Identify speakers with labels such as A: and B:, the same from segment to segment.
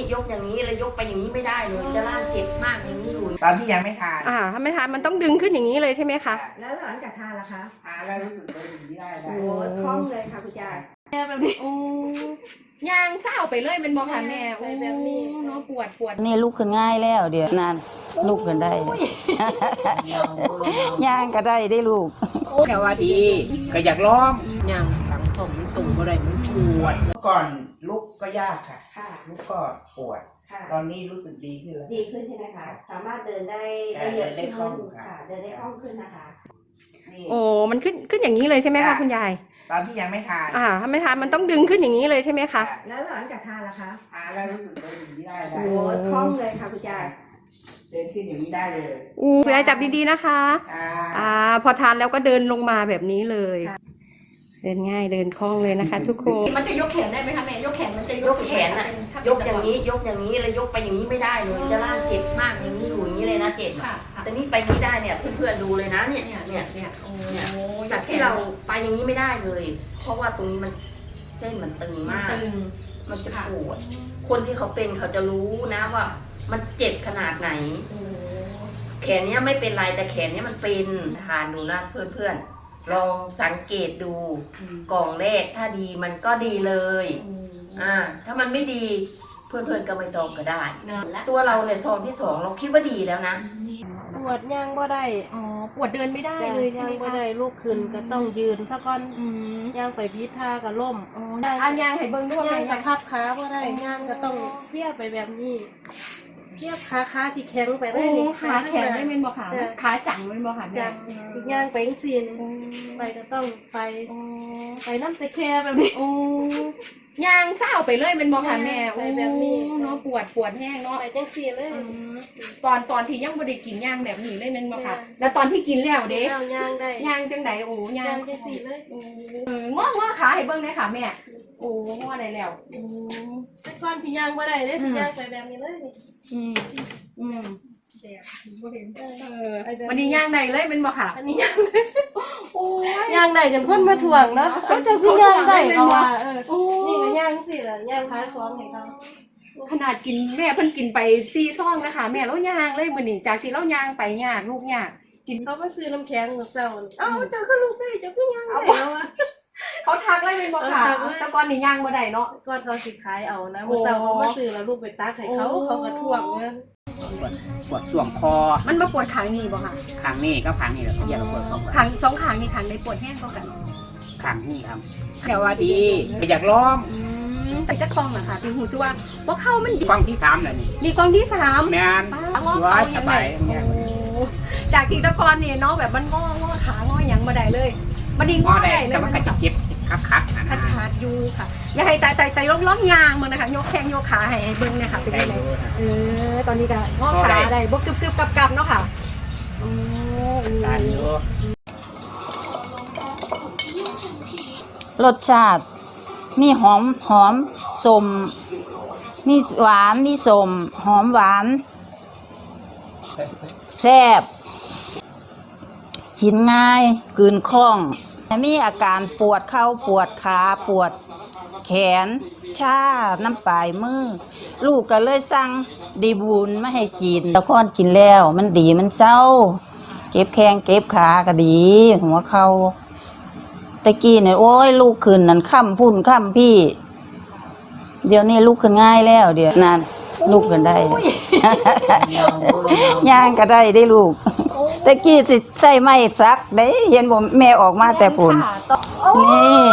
A: ยกอย่างนี้แล้วยกไปอย่างนี้ไม่ได้เลยจะล่างเจ็บมากอย่างนี้อยู่
B: ตอนที่ยังไม่ทาน
C: ถ้าไม่ทานมันต้องดึงขึ้นอย่างนี้เลยใช่ไหมคะ
D: แล้วหลังจากทานล่ะคะ
B: ทานแล้วรู้สึกเดินอย่างนี้ได้
D: โอ้คล่องเลยค่ะคุณยาย
C: แบบนี้โอ้ย่างเศร้าไปเลยเป็นบอกค่ะแม่โอ้แบบนี้เนาะปวด
E: นี่ลุกขึ้นง่ายแล้วเดี๋ยวนั่นลุกขึ้นได้ ย่างก็ได้ลูก
F: แต่ว่าดีก็อยากร้องย่างหลังของมันตุ่มอะไรมันปวด
B: เมื่อก่อนลุกก็ยากค่ะ
D: ค่ะ
B: ลุกก็ปวด
D: ค่ะ
B: ตอนนี้รู้สึกดีขึ้นแล้ว
D: ดีขึ้นใช่ไหมคะ สามารถเดินได้เยอะ
B: เดินได้คล่
D: ขึ้
B: อน งค่ะ
D: ค่ะ เดินได้คล่องขึ้นนะคะ
B: นี่
C: โอ้มันขึ้นอย่างนี้เลยใช่ไหมคะคุณยาย
B: ตอนที่ยังไม่ทาน
C: ถ้าไม่ทานมันต้องดึงขึ้นอย่างนี้เลยใช่ไหมคะ
D: แล้วหลังจากทานล่ะคะ
B: ทานแล้วรู้สึกเดินอย่างนี้ได้
D: โอ้คล่องเลยค่ะคุณยาย
B: เดินขึ้นอย่างนี้ได้เลย
C: คุณยายจับดีๆนะคะ พอทานแล้วก็เดินลงมาแบบนี้เลย เดินง่ายเดินคล่องเลยนะคะ ทุกคน
G: มันจะยกแขนได้ไหมคะแม่ยกแขนมันจะ
A: ยกแขนอะยกอย่างนี้แล้วยกไปอย่างนี้ไม่ได้เลยจะล่างเจ็บมากอย่างนี้อยู่อย่างนี้เลยนะเจ็บ
G: ค่ะ
A: แต่นี่ไปนี้ได้เนี่ยเพื่อนๆดูเลยนะเนี่ย
G: โอ้
A: จากที่เราไปอย่างนี้ไม่ได้เลย เพราะว่าตรงนี้มันเส้นมันตึงมาก
G: ตึง
A: มันจะปวดคนที่เขาเป็นเขาจะรู้นะว่ามันเจ็บขนาดไหน แขนเนี้ยไม่เป็นไรแต่แขนเนี้ยมันเป็นทานดูนะเพื่อนๆลองสังเกตดูกล่องแรกถ้าดีมันก็ดีเลยถ้ามันไม่ดีเพื่อนๆก็ไม่ต้องก็ได้ ตัวเราเนี่ยซองที่2เราคิดว่าดีแล้วนะ
H: ปวดย่างบ่ได้
C: ปวดเดินไม่ได้เลยใช่
H: ย่าง
C: ไหม
H: บ่
C: คะ
H: ได้ลูกขึ้นก็ต้องยืนซะก่อนย่างไปพิษท่าก็ล่ม
C: ย่างให้เบิ้งด้วย
H: ย่างกับพับขาบ่ได้ย่างก็ต้องเพี้ยไปแบบนี้เทียบขาที่แข็งไปเลยนี่
C: ขาแข็งไม่เป็นบ่ขาขาจังไม่เป็นบ่ขาแม่
H: จังย่างไปจังซี่ไปก็ต้องไปน้ำตะแคแบบนี้
C: ย่างเศร้าไปเลยเป็นบ่ค่ะแม่
H: ไปแบบนี้
C: เนาะปวดแห้งเนาะ
H: ไปจังซี่เลย
C: ตอนที่ยังบ่ได้กินย่างแบบนี้เลยเป็นบ่ค่ะแล้วตอนที่กินแล้วเด้
H: แล้วย่างได้
C: ย่างจังไดย่า
H: ย่าง งจังซี่เลย
C: ง้อขาให้เบิ่งได้ค่ะแม่ง้อได้แล้ว
H: แต่ก่อนที่ย่างบ่ได้เด้สิย่างไปแบบนี้เลยนี่
C: วันนี้ย่างได้เลยเป็นบ่ค่ะ
H: อันนี้ย่างย่างได้จนคนมาถ่วงเนาะเขาจะคือย่างได้เขาว่านี่ก็ย่างสิล่ะย่างขายของให้เขา
C: ขนาดกินแม่เพิ่นกินไป4 ซองนะคะแม่แล้วย่างเลยมื้อนี้จากที่เราย่างไปยากลูกยาก
H: เขามาซื้อน้ำแข็งมื้อเช้านี่เจ้าคือลูกได้เจ้าคือย่างได้แล้วอ่ะ
C: เขาทักเลยเป็นบ่ค่ะแต่ก่อนนี่ย่างบ่ได้เนาะ
H: ก่อนเขาสิขายเอานะมื้อเช้าเขามาซื้อแล้วลูกไปตักให้เขาก็ถ่วงเงิน
F: ปวดช่วงคอ
C: มันมาปวดขางนี่บ่ค่ะ
F: ขางนี่ก็ขางนี่แหละอย่าปวดเข้าไป
C: ขาง2ขางนี่ขางในปวดแห้งกว่ากัน
F: ขางนี่ครับแต่ว่าดีก็อยากร้อง
C: แต่จักกล้องน่ะค่ะที่หูซึว่าบ่เข้ามันดี
F: กล้องที่3แล้วนี่
C: นี่กล้องที่3
F: แม่น
C: งอ
F: ว่า
C: เขา
F: ส
C: ยัง
F: บา
C: ไง
F: ย
C: จากที่ตะกอนนี่เนาะแบบมันงอขางอหยังบ่ได้เลยมันดีง
F: งอ
C: อ
F: ได้
C: ได้เล
F: แต่
C: ย
F: มันก็จะเจ็บคักๆนะ
C: ขาดอยู่ค่ะอย่าให้ตายล้มยางมึงนะคะยกแข้งยกขาให้เบิ่งเนี่ยค่ะเป็นยังไงตอนนี้ก็งอขาได้บ่กึบๆกับเนาะค่ะ
E: รสชาติมีหอมสมมีหวานมีสมหอมหวานแซ่บกินง่ายกลืนคล่องมีอาการปวดเข่าปวดขาปวดแขนชาน้ำปลายมือลูกก็เลยสั่งดีบุญมาให้กินตะคอนกินแล้วมันดีมันเศร้าเก็บแข้งเก็บขาก็ดีหัวเข่าตะกี้เนี่ยโอ้ยลูกขึ้นนั่นค่ำพุ่นค่ำพี่เดี๋ยวนี้ลูกขึ้นง่ายแล้วเดี๋ยวนั่นลูกขึ้นได้ ย่างก็ได้ลูกตะกี้สิใส่ไม้ซักได้เห็นบ่แม่ออกมาแต่ปุ่นนี่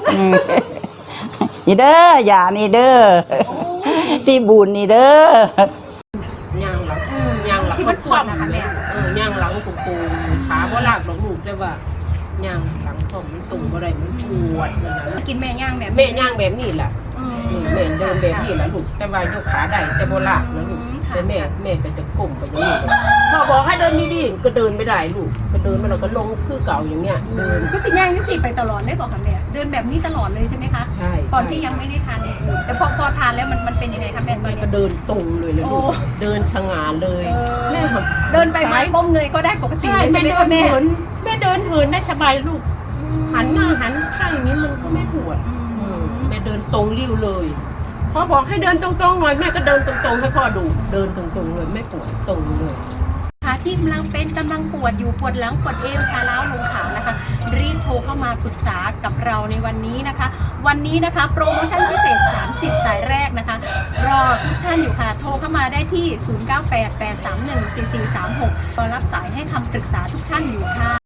E: นี่เด้อย่านี่เด้อที่บุญนี่เด้
F: ย่างหลังมันคว่ำนะคะแม่ย่างหลังปูขาบ่ลากหรอกลูกได้ว่าย่างหลังของมันตุ่มอะไรมันปวดนะ
C: กินแม่ย่างแบบ
F: แม่ย่างแบบนี้แหละแม่เดินแบบนี้แหละลูกแต่ว่ายกขาได้แต่บ่ลากนะลูกแต่แม่ก็จะก้มไปอย่างนี้พ่อบอกให้เดินดีๆก็เดินไม่ได้ลูกก็เดินมาแล้วก็ลงคือเก่าอย่างเนี้ยเดิน
C: ก็จะย่างยังสิไปตลอดได้บอกค่ะแม่เดินแบบนี้ตลอดเลยใช่ไหมคะ
F: ใช่
C: ตอนที่ยังไม่ได้ทานแต่พอทานแล้วมันเป็นยังไงคะแม่ตอน
F: แม่
C: นี้
F: ก็เดินตรงเลยลูกเดินสง่าเลยแม่แบบ
C: เดินไปไม้ก้มเงยก็ได้ปกติ
F: ใช่
C: เลยใช่
F: แม่
C: ไหม
F: เดิน
C: คะแม่
F: เหินแม่เดินเหินได้สบายลูกหันหน้าหันข้างอย่างนี้มันก็ไม่ปวดแม่เดินตรงริ้วเลยพอบอกให้เดินตรงๆหน่อยแม่ก็เดินตรงๆให้พ่อดูเดินตรงๆเลยไม่ปวดตรงเลย
C: ค่ะที่กำลังปวดอยู่ปวดหลังปวดเอวชาล้าวลงขานะคะรีบโทรเข้ามาปรึกษากับเราในวันนี้นะคะ วันนี้นะคะโปรโมชั่นพิเศษ30สายแรกนะคะรอทุกท่านอยู่ค่ะโทรเข้ามาได้ที่ 0988314436รอรับสายให้คำปรึกษาทุกท่านอยู่ค่ะ